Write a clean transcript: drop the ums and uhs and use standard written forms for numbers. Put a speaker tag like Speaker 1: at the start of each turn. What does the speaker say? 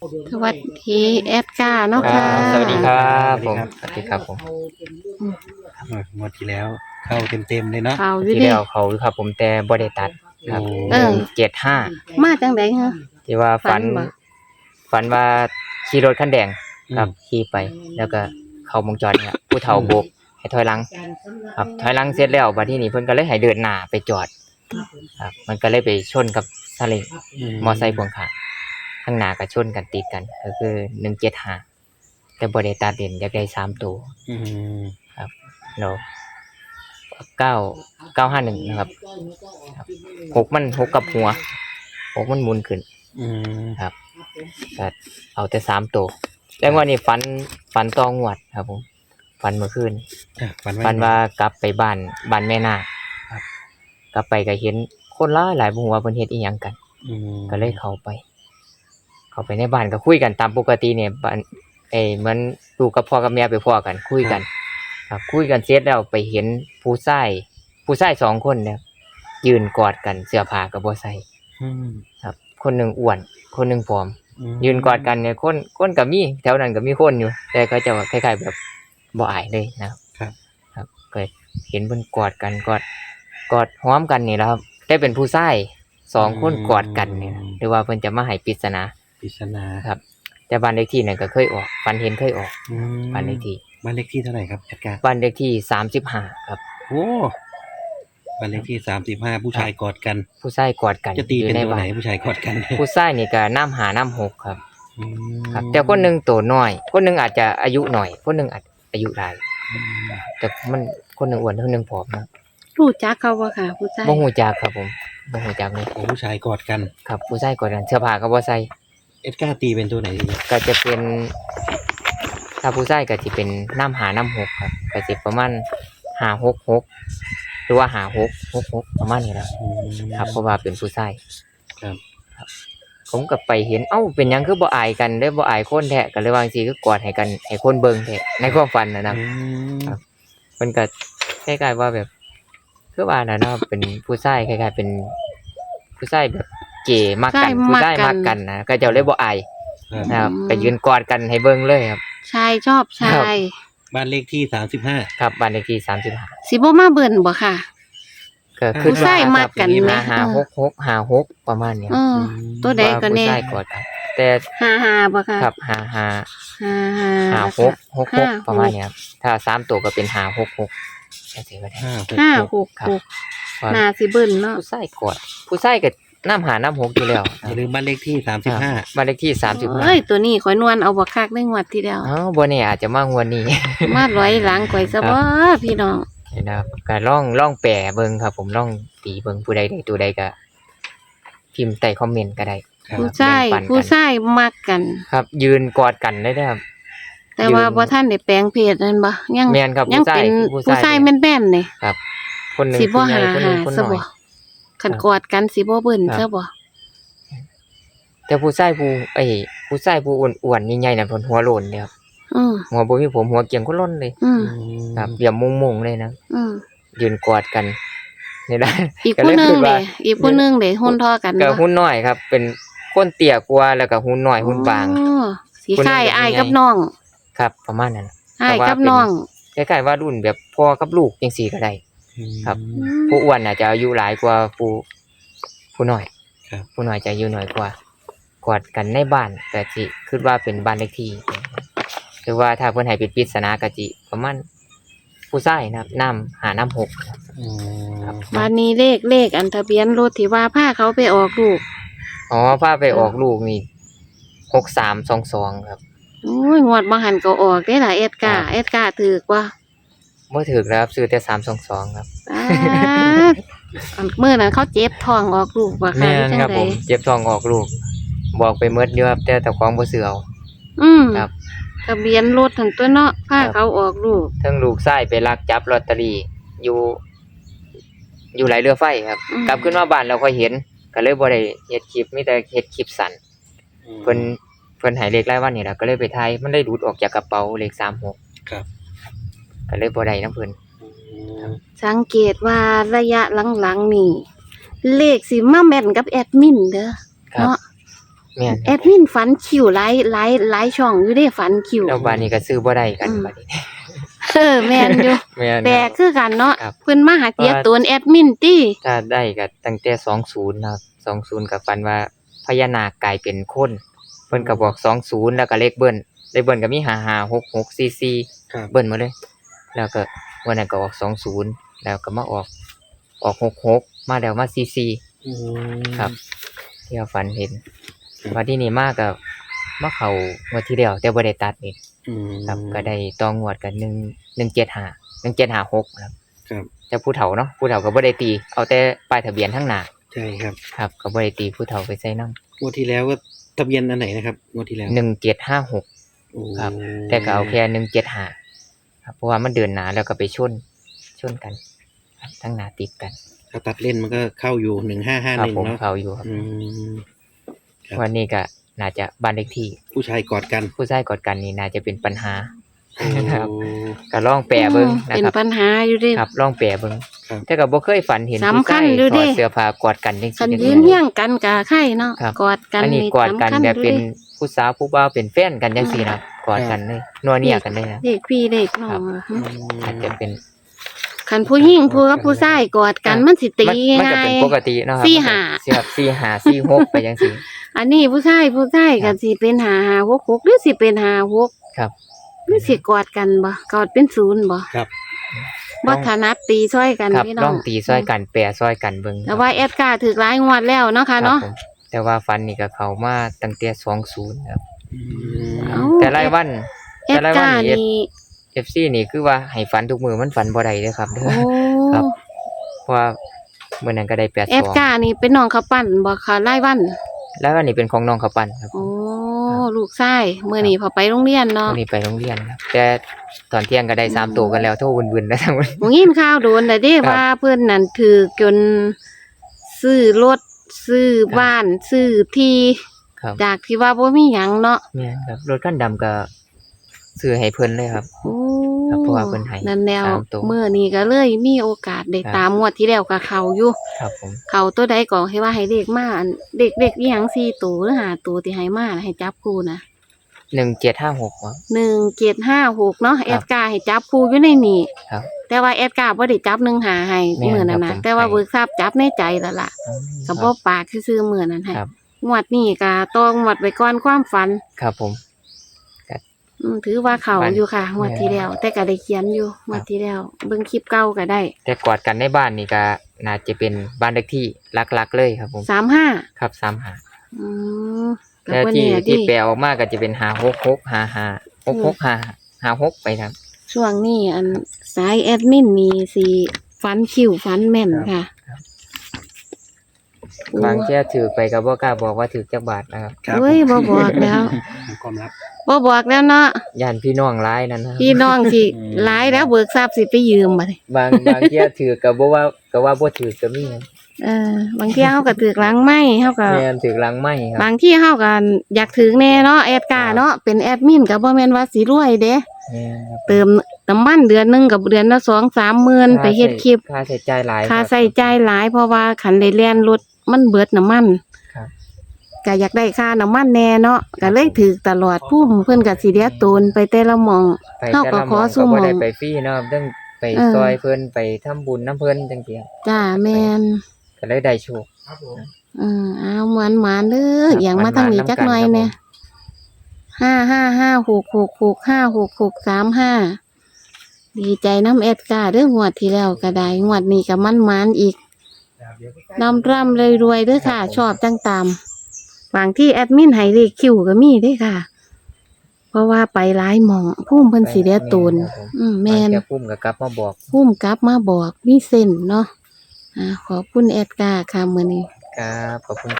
Speaker 1: สวัสดีแอดก้าเนาะค่ะ
Speaker 2: สวัสดีครับผมสวัสดีครับผม
Speaker 3: งวดที่แล้วเข้าเต็มเลยเนาะ
Speaker 1: ข่าวอยู่
Speaker 2: ที่
Speaker 1: เดิ
Speaker 2: แล้วเขาครับผมแต่บ่ได้ตัดครับ 175
Speaker 1: มาจังได๋ฮะ
Speaker 2: ที่ว่าฝันว่าขี่รถคันแดงครับขี่ไปแล้วก็เข้าวงจรเนี่ยผู้เฒ่าโบกให้ถอยหลังครับถอยหลังเสร็จแล้วบัดทีนี้เพิ่นก็เลยให้เดินหน้าไปจอดครับมันก็เลยไปชนกับซาเล้งมอไซค์พ่วงข้างข้างหน้าก็ชนกันติดกันก็คือ175แต่บ่ได้ตัดเด่นอยากได้3ตัวครับแล้ว951นะครับ6กับหัว6มันหมุนขึ้นครับก็เอาแต่3ตัวแล้ววันนี้ฝันตองวดครับผมฝันเมื่อคืนฝันว่ากลับไปบ้านแม่นาคครับกลับไปก็เห็นคนหลายบ่ฮู้ว่าเพิ่นเฮ็ดอีหยังกันก็เลยเข้าไปในบ้านก็คุยกันตามปกติเนี่ยบ้านเหมือนลูกกับพ่อกับแม่ไปพ้อกันคุยกันครับคุยกันเสร็จแล้วไปเห็นผู้ชาย2คนเนี่ยยืนกอดกันเสื้อผ้าก็บ่ใส่ครับคนนึงอ้วนคนนึงผอมยืนกอดกันเนี่ยคนก็มีแถวนั้นก็มีคนอยู่แต่เขาจะคล้ายๆแบบบ่อายเลยนะครับครับก็เห็นเพิ่นกอดกันกอดหอมกันนี่แหละครับได้เป็นผู้ชาย2คนกอดกันเนี่ยหรือว่าเพิ่นจะมาให้ปริศนาครับแต่บ้านเลขที่นั่นก็เคยออกฝันเห็นเคยออกบ้านเลขที่เท่าไหร่ครับแอดการ์บ้านเลขที่35ครับ
Speaker 3: โอ้บ้านเลขที่35ผู้ชายกอดกัน
Speaker 2: จะ
Speaker 3: ตีเป็นตัวไหนผู้ชายกอดกัน
Speaker 2: ผู้ชายนี่ก็น้ำ6ครับครับแต่คนนึงตัวน้อยคนนึงอาจจะอายุหน่อยคนนึงอายุหลายแต่มันคนนึงอ้วนคนนึงผอมนะ
Speaker 1: รู้จักเขาบ่ค่ะผู้ชาย
Speaker 2: บ่ฮู้จักครับผมบ่ฮู้จักเลย
Speaker 3: ผู้ชายกอดกัน
Speaker 2: ครับผู้ชายกอดกันเสื้อผ้าก็บ่ใส่
Speaker 3: เอ็ดการ์ตีเป็นตัวไหน
Speaker 2: ก็จะเป็นถ้าผู้ชายก็สิเป็นน้ำ6ครับก็สิประมาณ566หรือว่า5666ประมาณนี้แหละครับเพราะว่าเป็นผู้ชาย
Speaker 3: ครับ
Speaker 2: ผมก็ไปเห็นเป็นหยังคือบ่อายกันเด้บ่อายคนแท้ก็เลยว่าจังซี่คือกอดให้กันให้คนเบิ่งแท้ในความฝันนะครับเพิ่นก็คล้ายๆว่าแบบคือว่าน่ะเนาะเป็นผู้ชายคล้ายๆเป็นผู้ชายแบบเก๋มักกันผู้ชายมักกันนะก็เจ้าเลยบ่อายนะครับก็ยืนกอดกันให้เบิ่งเลยครับ
Speaker 1: ชายชอบชาย
Speaker 3: บ้านเลขที่35
Speaker 2: ครับบ้านเลขที่35
Speaker 1: สิบ่มาเบิ่นบ่ค่ะ
Speaker 2: ก็คือผู้ชายมักกัน566ประมาณนี้
Speaker 1: ตัวใดก็แน่
Speaker 2: ผู้ชายกอดกันแต่
Speaker 1: 55บ่ค่ะ
Speaker 2: ครับ56ประมาณนี้ครับถ้า3ตัวก็เป็น566จังซี่ก็ได้
Speaker 1: 566น่าสิเบิ่นเนาะ
Speaker 2: ผู้ชายกอดผู้ชายก็น้ำ6อยู่แล้ว
Speaker 3: อย่าลืมบ้านเลขที่35
Speaker 2: บ้านเลขที่35
Speaker 1: เอ้ยตัวนี้ข่อยนวลเอาบ่คักในงวดที่แล้ว
Speaker 2: บ่แน่อาจจะมางวดนี้
Speaker 1: มาร้อยหลังข่อยซะบ่พี่น้อง
Speaker 2: นะครับก็ลองแปลเบิ่งครับผมลองตีเบิ่งผู้ใดได้ตัวใดก็พิมพ์ใต้คอมเมนต์ก็ได้
Speaker 1: ผู้ชายมักกัน
Speaker 2: ครับยืนกอดกันได้ครับ
Speaker 1: แต่ว่าบ่ทันได้แปลงเพศนั่นบ่
Speaker 2: ยังแม่นครับ
Speaker 1: ผู้ชายแม่นๆนี่
Speaker 2: ครับคนนึง
Speaker 1: สิบ่หาซะบ่คันกอดกันสิบ่เบิ่นซะบ่
Speaker 2: แต่ผู้ชายผู้อ้วนๆใหญ่ๆน่ะเพิ่นหัวโล้นเด้ครับหัวบ่มีผมหัวเกียงคนล้นเลยครับเหลี่ยมมุงๆเลยนะยืนกอดกันนี่ล่ะ
Speaker 1: อีกผู้นึงเด้หุ่นเท่ากัน
Speaker 2: ก็หุ่นน้อยครับเป็นคนเตี้ยกว่าแล้วก็หุ่นน้อยหุ่นบาง
Speaker 1: สิคล้ายอ้ายกับน้อง
Speaker 2: ครับประมาณนั้น
Speaker 1: อ้ายกับน้อง
Speaker 2: คล้ายๆว่ารุ่นแบบพ่อกับลูกจังซี่ก็ได้ครับผู้อ้วนน่ะจะอายุหลายกว่าผู้น้อยผู้น้อยจะอายุน้อยกว่ากอดกันในบ้านก็สิคิดว่าเป็นบ้านเลขที่หรือว่าถ้าเพิ่นให้เป็นปริศนาก็สิประมาณผู้ชายนะครับน้ำ6
Speaker 1: ครับวันนี้เลขอันทะเบียนรถที่ว่าพาเขาไปออกลูก
Speaker 2: พาไปออกลูกนี่6322ครับ
Speaker 1: โอ้ยงวดบ่หันก็ออกได้ล่ะเอ็ดกาถูกบ่
Speaker 2: บ่ถูกแล้วครับซื้อแต่322ครับ
Speaker 1: มื้อนั้นเขาเจ็บท้องออกลูกบ่ค่ะ
Speaker 2: จังได๋ครับผมเจ็บท้องออกลูกบอกไปหมดอยู่ครับแต่เจ้าของบ่ซื้อเอาครับ
Speaker 1: ทะเบียนรถทั้งตัวเนาะพาเขาออกลูก
Speaker 2: ทั้งลูกชายไปลักจับลอตเตอรี่อยู่ไหลเรือไฟครับกลับขึ้นมาบ้านแล้วค่อยเห็นก็เลยบ่ได้เฮ็ดคลิปมีแต่เฮ็ดคลิปสั้นเพิ่นให้เลขรายวันนี่ล่ะก็เลยไปถ่ายมันได้หลุดออกจากกระเป๋าเลข36
Speaker 3: ครับ
Speaker 2: ก็เลยบ่ได้นำเพิ่น
Speaker 1: สังเกตว่าระยะหลังๆนี่เลขสิมาแม่นกับแอดมินเด้อเนาะ
Speaker 2: แม่น
Speaker 1: แอดมินฝันคิวหลายช่องอยู่เด้ฝันคิว
Speaker 2: แล้วบานนี้ก็ซื้อบ่ได้กันบัดนี้
Speaker 1: แม่นอยู่
Speaker 2: แม่น
Speaker 1: แปลกคือกันเนาะ
Speaker 2: ครับ
Speaker 1: เพิ่นมาหาเตียตนแอดมินติ
Speaker 2: ถ้าได้ก็ตั้งแต่20นะครับ20ก็ฝันว่าพญานาคกลายเป็นคนเพิ่นก็บอก20แล้วก็เลขเบิ้นก็มี556644
Speaker 3: ครับ
Speaker 2: เบิ้นมาเลย แล้วก็วันนั้นก็ออก20แล้วก็มาออก66มาแล้วมา44
Speaker 3: อืม
Speaker 2: ครับ ที่เราฝันเห็นว่าที่นี่มากกับมาเข้างวดที่แล้วแต่บ่ได้ตัดนี่
Speaker 3: อืม
Speaker 2: ครับก็ได้ต่องวดกัน1756ครับ
Speaker 3: ครับ
Speaker 2: แต่ผู้เฒ่าเนาะผู้เฒ่าก็บ่ได้ตีเอาแต่ป้ายทะเบียนทั้งหน้า
Speaker 3: ใช่ครับ
Speaker 2: ครับก็บ่ได้ตีผู้เฒ่าไปใส่นำ
Speaker 3: งวดที่แล้วก็ทะเบียนอันไหนนะครับงวดที่แล้ว
Speaker 2: 1756
Speaker 3: โอ้
Speaker 2: ครับ แต่ก็เอาแค่175ครับเพราะว่ามันเดินหน้าแล้วก็ไปชนกันครับทั้งหน้าติดกัน
Speaker 3: ถ้าตัดเล่นมันก็เข้าอยู่
Speaker 2: ครับผม
Speaker 3: 1551เนาะ
Speaker 2: เขาอยู่ครับ
Speaker 3: อืม ครับ
Speaker 2: วันนี้ก็น่าจะบ้านเลขที่
Speaker 3: ผู้ชายกอดกัน
Speaker 2: ผู้ชายกอดกันนี่น่าจะเป็นปัญหา
Speaker 3: โอ้
Speaker 2: ครับ ก็ลองแปลเบิ่งนะ
Speaker 1: เป็น
Speaker 2: ครับ
Speaker 1: ปัญหาอยู่เด้
Speaker 2: ครับลองแปลเบิ่ง
Speaker 3: ครับ
Speaker 2: แต่ก็บ่เคยฝันเห็น
Speaker 1: สำ
Speaker 2: ผู้
Speaker 1: คั
Speaker 2: ชา
Speaker 1: ญ
Speaker 2: ย
Speaker 1: อยู่
Speaker 2: ถ
Speaker 1: เด้
Speaker 2: อดเสื้อผ้ากอดกันจัง
Speaker 1: คัน
Speaker 2: ซี่
Speaker 1: ยืนเฮียงกันก็ไข่เนาะ
Speaker 2: ครับ
Speaker 1: กอดกัน
Speaker 2: อันนี้
Speaker 1: นี่
Speaker 2: กอดกัน
Speaker 1: สำคัญ
Speaker 2: แบบเป็น
Speaker 1: อยู่ด้
Speaker 2: ผู้สาวผู้บ่าวเป็นแฟนกันจังซี่นะกอดกันเลยนัวเนียกันเลยนะ
Speaker 1: เด็กพี่เด็กน้อ
Speaker 2: ครั
Speaker 1: ง
Speaker 2: บ
Speaker 1: อะ
Speaker 2: อาจจะเป็น
Speaker 1: คันผู้หญิงผู้กับผู้ชายกอดกันมันสิตี
Speaker 2: มันก็
Speaker 1: ง่า
Speaker 2: เป็น
Speaker 1: ย
Speaker 2: ปกติเนาะครับ
Speaker 1: สี่ห้า
Speaker 2: 45 46ไปจังซี่
Speaker 1: อันนี้ผู้ชายก็สิเป็น5 6 6หรือสิเป็น5
Speaker 2: ครับ
Speaker 1: 6หรือสิกอดกันบ่กอดเป็น0บ่
Speaker 3: ครับ
Speaker 1: บ่ถนัดตีซ้อยกัน
Speaker 2: ครับ
Speaker 1: พี่น้
Speaker 2: ล
Speaker 1: อ
Speaker 2: อง งตีซอยกันแปรซอยกันเบิ่ง
Speaker 1: แต่ว่าแอดการ์ถูกหลายงวดแล้วเนาะ
Speaker 2: ครั
Speaker 1: ค่ะ
Speaker 2: บ
Speaker 1: เนาะ
Speaker 2: ผมแต่ว่าฟันนี่ก็เข้ามาตั้งแต่20ครับ
Speaker 3: อื
Speaker 1: เอ้า
Speaker 3: ม
Speaker 2: แต่รายวัน
Speaker 1: แอดการ์นี่
Speaker 2: FC นี่คือว่าให้ฝันทุกมือมันฝันบ่ได้เด้อครับเด้อ
Speaker 1: โอ้
Speaker 2: ครับ เพราะว่ามื้อนั้นก็ได้
Speaker 1: แอดการ์นี่เป็นน้องเขาวปั้นบ่ค่ะรายวัน
Speaker 2: 82แล้ววันนี้เป็นของน้องข้าวปั้นครับ
Speaker 1: โอ้ลูกชายมื้อนี้พอไปโรงเรียนเนาะ
Speaker 2: วันนี้ไปโรงเรียนครับ แต่ตอนเที่ยงก็ได้3ตัวกันแล้วโทรวุ่นๆแล้วทั้งวัน
Speaker 1: ผมยินข่าวโดนแต่เด้
Speaker 2: ครับ
Speaker 1: ว่าเพิ่นนั่นถือจนซื้อรถซื้อบ้านซื้อที่
Speaker 2: ครับ
Speaker 1: จากที่ว่าบ่มีหยังเนาะ
Speaker 2: แม่นครับรถคันดำก็ซื้อให้เพิ่นเลยครับ
Speaker 1: โอ้
Speaker 2: ครับเพราะว่าเพิ่นให้
Speaker 1: นั่นแล้ว
Speaker 2: ตามตัว
Speaker 1: มื้อนี้ก็เลยมีโอกาสได้
Speaker 2: ครับ
Speaker 1: ตามงวดที่แล้วก็เข้าอยู่
Speaker 2: ครับผม
Speaker 1: เข้าตัวใดก็ให้ว่าให้เลขมาอันเด็กๆอีหยัง4ตัวหรือ5ตัวที่ให้มาน่ะให้จับคู่นะ
Speaker 2: 1756ครับ
Speaker 1: 1756เนาะ
Speaker 2: ครับ
Speaker 1: แอดการ์ให้จับคู่อยู่ในนี้
Speaker 2: ครับ
Speaker 1: แต่ว่าแอดการ์บ่ได้จับ15ให้
Speaker 2: แม่น
Speaker 1: มื้อนั้น
Speaker 2: ครั
Speaker 1: น่ะ
Speaker 2: บผม
Speaker 1: แต่ว่า
Speaker 2: ให้
Speaker 1: เบิกทรัพย์จับในใจแล้วล่ะ
Speaker 2: อืม
Speaker 1: ก็บ่ปากซื่อๆมื้อนั้นให้
Speaker 2: ครับ
Speaker 1: งวดนี้ก็ต้องงวดไว้ก่อนความฝัน
Speaker 2: ครับผม
Speaker 1: ถือว่าเขา
Speaker 2: ฝัน
Speaker 1: อยู่ค่ะงวดที่
Speaker 2: แม่น
Speaker 1: แล้ว แต่ก็ได้เขียนอยู่งวดที่แล้วเบิ่งคลิปเก่าก็ได้
Speaker 2: แต่กอดกันในบ้านนี่ก็น่าจะเป็นบ้านเลขที่ลักๆเลยครับผม
Speaker 1: 35
Speaker 2: ครับ35
Speaker 1: อืมก็
Speaker 2: แล้ว
Speaker 1: บ่
Speaker 2: ที่
Speaker 1: แน่
Speaker 2: ที่
Speaker 1: ดิ
Speaker 2: แปลออกมาก็จะเป็น5665566ไปครับ
Speaker 1: ช่วงนี้อันสายแอดมินนี่สิฝันคิวฝันแม่นค่ะ
Speaker 2: ครับ
Speaker 1: โอ้
Speaker 2: บางเที่ยถือไปก็บ่กล้าบอกว่าถือจักบาทนะครับ
Speaker 3: ครับ
Speaker 1: เฮ้ยบ่บอกแล้ว
Speaker 3: ความลับ
Speaker 1: บ่บอกแล้วเนาะ
Speaker 2: ย่านพี่น้องหลายนั่นนะครับ
Speaker 1: พี่น้องสิ
Speaker 3: อืม
Speaker 1: หลายแล้วเบิกทรัพย์สิไปยืมบัดนี้
Speaker 2: บางเที่ยถือก็บ่ว่าบ่ถือก็มีครับ
Speaker 1: บางเที่ยเฮาก็ถือหลังไม้เฮาก็
Speaker 2: แม่นถือหลังไม้ครับ
Speaker 1: บางที่เฮาก็อยากถึงแน่เนาะแอดการ์เนาะเป็นแอดมินก็บ่แม่นว่าสิรวยเด้
Speaker 2: แม่นครับ
Speaker 1: เติมน้ำมันเดือนหนึงกับเดือนละ2-3หมื่นไปเฮ็ดคลิป
Speaker 2: ค่าใช้จ่ายหลาย
Speaker 1: ค่า
Speaker 2: รับ
Speaker 1: ใช้จ่ายหลายเพราะว่าคันได้แล่นรถมันเบิดน้ำมัน
Speaker 2: ครับ
Speaker 1: ก็อยากได้ค่าน้ำมันแน่เนาะก็เลยถือตลอดพุ่มเพิ่นก็สิเดียโตนไปแต่ละหม่อง
Speaker 2: ไป
Speaker 1: เฮา
Speaker 2: แต่
Speaker 1: ก็
Speaker 2: ละ
Speaker 1: ข
Speaker 2: ห
Speaker 1: อ
Speaker 2: ม้อง
Speaker 1: สู้
Speaker 2: ก็
Speaker 1: ห
Speaker 2: บ่
Speaker 1: ม่อ
Speaker 2: ได้
Speaker 1: ง
Speaker 2: ไปฟรีเนาะต้องไป
Speaker 1: เออ
Speaker 2: ซอยเพิ่นไปทำบุญน้ำเพิ่นจังซี่
Speaker 1: จ้าแม่น
Speaker 2: ก็เลยได้โชค
Speaker 1: เอาหวานๆเด้ออย่างมาทางนี้จักหน่อยแน่55566656635ดีใจน้ำแอดกาเด้องวดที่แล้วก็ได้งวดนี้ก็มันๆอีกร่ำๆรวยๆเด้อค่ะ ชอบจังตามบางที่แอดมินให้เลขคิวก็มีเด้อค่ะ เพราะว่าไปหลายหม่องพุ่มเพิ่นสิเดียโตนแม่น
Speaker 2: บางเที่ยปุ้มก็กลับมาบอก
Speaker 1: พุ่มกลับมาบอกมีเส้นเนาะขอบคุณแอดกาค่ะมื้อนี้
Speaker 2: ครับขอบคุณ